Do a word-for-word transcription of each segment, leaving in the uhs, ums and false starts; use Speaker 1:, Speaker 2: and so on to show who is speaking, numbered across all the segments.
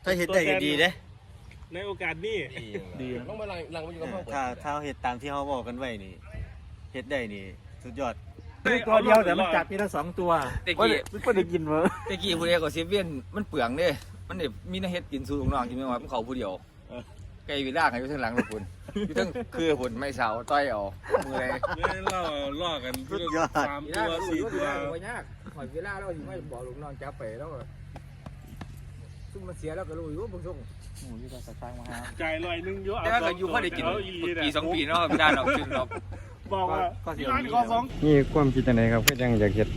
Speaker 1: ถ้าเฮ็ดได้ก็ดีเด้
Speaker 2: ในโอกาสนี้
Speaker 3: ดีต้องมาลังลังมาอยู่กับห้อง
Speaker 1: ถ้าถ้าเฮ็ดตามที่เขาบอกกันไว้นี่เฮ็ดได้นี่สุดยอด
Speaker 2: ตัวเดียวแต่มันจับมีทั้งสองตัว
Speaker 4: ตะกี้
Speaker 2: ไม่ได้กินมั้ง
Speaker 4: ตะกี้ผู้เดียวก็เซเว่นมันเปลืองเด้มันเนี่ยมีน้าเฮ็ดกินสู่ลูกน้องกินไม่ว่ามันเขาผู้เดียวไก่วิลากอยู่ข้างหลังลูกคุณอยู่ทั้งคือผลไม่เสาต้อยเอามืออะไร
Speaker 2: เนี่ยเราล่อกันสามตัวสี่ตัว
Speaker 4: ไม่ยากหอยวิลาเราอยู่ไม่บอกลูกน้องจับไปแล้วซุ่มมันเสียแล้วก็รู้อยู่ว่าบุญส่ง
Speaker 2: หมูยี่ห้อสตางค์มาฮะจ่ายลอยนึงเยอะ
Speaker 4: แต่ก็อยู่พอได้กินปีสองปีเนาะไม่ได้หรอกจริงหรอก
Speaker 2: บอกว่าร้านข้อสอง
Speaker 5: นี่ความคิดยังไงครับก็ยังอยากเห็ด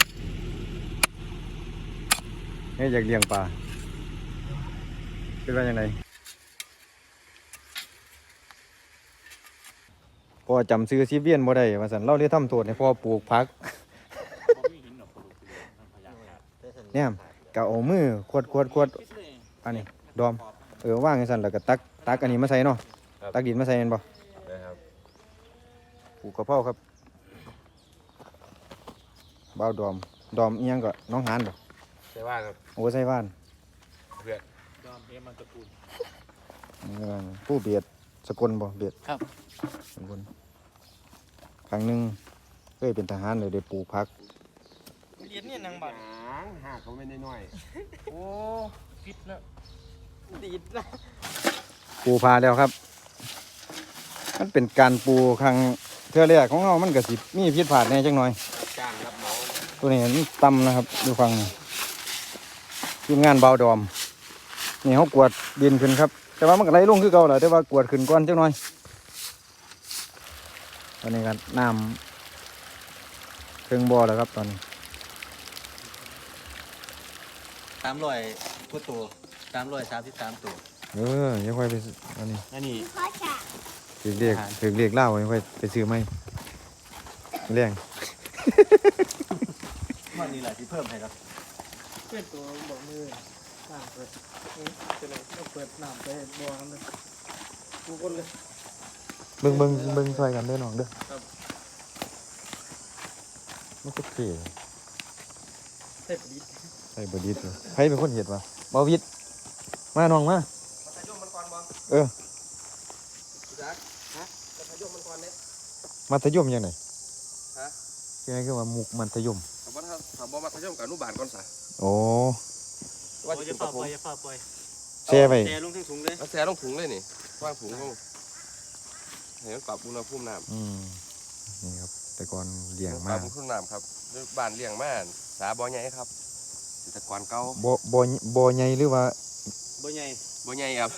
Speaker 5: ให้อยากเลี้ยงปลาเป็นว่าอย่างไรพอจำซื้อซีเวียนบ่ได้ว่าสันเล่าเรียกทำโทษให้พ่อปลูกพักเนี่ยกะเอามือขวดขวดขวดอันนี้ดอมเออว่างให้สันแล้วก็ตักตักอันนี้มาใส่เนาะตักดินมาใส่เห็นบ่ปลูกกระเพราครับบ่าวดอมดอมเอียงก็น้องหานบ่
Speaker 3: ใช่ว่าครับ
Speaker 5: โอ้ใส่บ้าน
Speaker 3: เพื่อน
Speaker 2: ดอมเอ็มมันตะกูล
Speaker 5: ผู้เบียดสกลบ่เบียด
Speaker 4: ครับ
Speaker 5: สกลครั้งหนึ่งเคยเป็นทหารเลยได้ปลูกพัก
Speaker 1: เรียนเนี่ยนางบัตร
Speaker 3: หากเขาไม่ได้น้อย
Speaker 1: โอ้ฟิตแล้วดีดนะ
Speaker 5: ปูพาแล้วครับมันเป็นการปูครั้งเทื่อแรกของเรามันก็สิมีพิษผาดแน่จังหน่อย
Speaker 3: จ้างรับเหมา
Speaker 5: ตัวนี้มันต่ำนะครับดูฟังทีมงานเบาดอมนี่เขากวดดินขึ้นครับแต่ว่ามันก็ไหลลงคือเก่าแหละแต่ว่ากวดขึ้นก้อนจังหน่อยตอนนี้กันน้ำเครื่องบ่อแล้วครับตอนนี้
Speaker 1: สามร้อยกว่าตัวสามร้อยสามสิบสามตัว
Speaker 5: เออยังค่อยไปอันนี้
Speaker 1: อันนี้
Speaker 5: ถึงเรียกถึงเรียกเล่ายังค่อยไปซื้อไหมเรื่อง
Speaker 1: วันนี้แหละที่เพิ่มให้ครับ
Speaker 2: เพื่อนตัวบอกมือน้ำเปิดจะเลยก็เปิดน้ำไปบ่อน้ำเลยกูคนเลย
Speaker 5: เบิ้งเบิ้งเบิ้งช่วยกันเด้อน้องเด้อมันก็เท่
Speaker 2: ใส่ประดิษฐ์
Speaker 5: ใส่ประดิษฐ์ใครเป็นคนเห็ดวะบ่วิทย์มาน้องมาเออมัธยมยังไงฮะยังไงก็ว่ามุกมัธยม
Speaker 3: ถามว่าถามว่ามัธยมกับอนุบาลก่อนสะ
Speaker 5: โอ้
Speaker 2: ว่าจะฝ่าปล่อยจะฝ่าปล่อย
Speaker 5: แช่ไป
Speaker 2: แช่ลงถุงเลย
Speaker 3: แช่ลงถุงเลยนี่ว่างถุงเขาเห็นปรับอุณหภูมิน้ำ
Speaker 5: อืมนี่ครับแต่ก่อนเลี้ยงมาก
Speaker 3: ปรับอุณหภูมิน้ำครับบ้านเลี้ยงมาสาบ่อใหญ่ครับแต่ก่อนเก่า
Speaker 5: บ่บ่บ่ใหญ่หรือว่า
Speaker 2: บ่ใหญ่
Speaker 3: บ่ใหญ่ครับ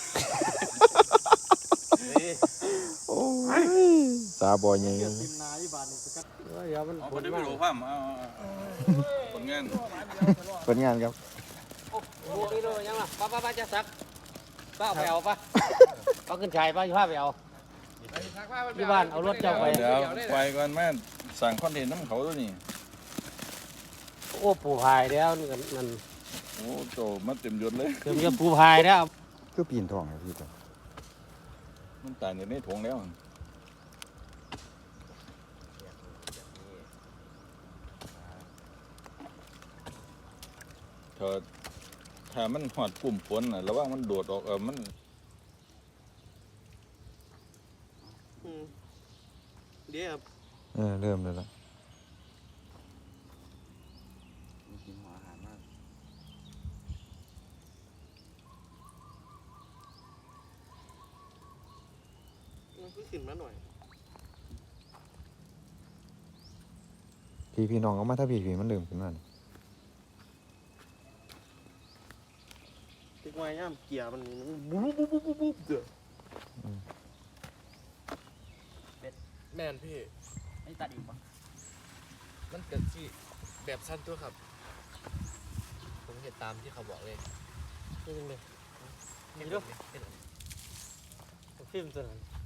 Speaker 5: โอ้ยสาบ่อใหญ่
Speaker 2: มัน
Speaker 3: ผลงานผลงาน
Speaker 5: ผลงานครับ
Speaker 4: โอ้โหนี่เลยยังล่ะป้าป้าป้าจะซักป้าเอาไปเอาป้าป้าขึ้นชายป้าอยู่ผ้าไปเอาที่บ้านเอารถเจ้าไป
Speaker 6: เดี๋ยวไปก่อนแม่สั่งคอนเทนต์น้ำเขาด้วยนี่
Speaker 4: โอ้ปูพายแล้วนี่นั่น
Speaker 6: โอ้โจมันเต็มยศเลย
Speaker 4: เต็มยศปูพายแล้ว
Speaker 5: คือปีนทองครับพี่ตัว
Speaker 6: มันตายในนี้ถงแล้วเธอถ้ามันหอดกลุ่มฝนน่ะระวังมันโดดออกเออมัน
Speaker 1: เดี๋ยว
Speaker 5: เออเริ่มเลยละ
Speaker 1: กินหัวอาหารมาก
Speaker 2: มันขึ้นขึ้นมาหน่อย
Speaker 5: พี่พี่น้องเอามาถ้าพี่พี่มันเริ่มขึ้นมา
Speaker 2: ติดไว้ย่ำเกียร์มันบุ๊บบุ๊บบุ๊บบุ๊บบุ๊บเดือด
Speaker 3: แม่นพี่
Speaker 4: ไอ้ตัดอีกปะ
Speaker 3: มันเกิดที่แบบสั้นตัวครับผมเห็นตามที่เขาบอกเลย
Speaker 2: นี่เลยนี่ด้วยฟิล์มตัวนั้น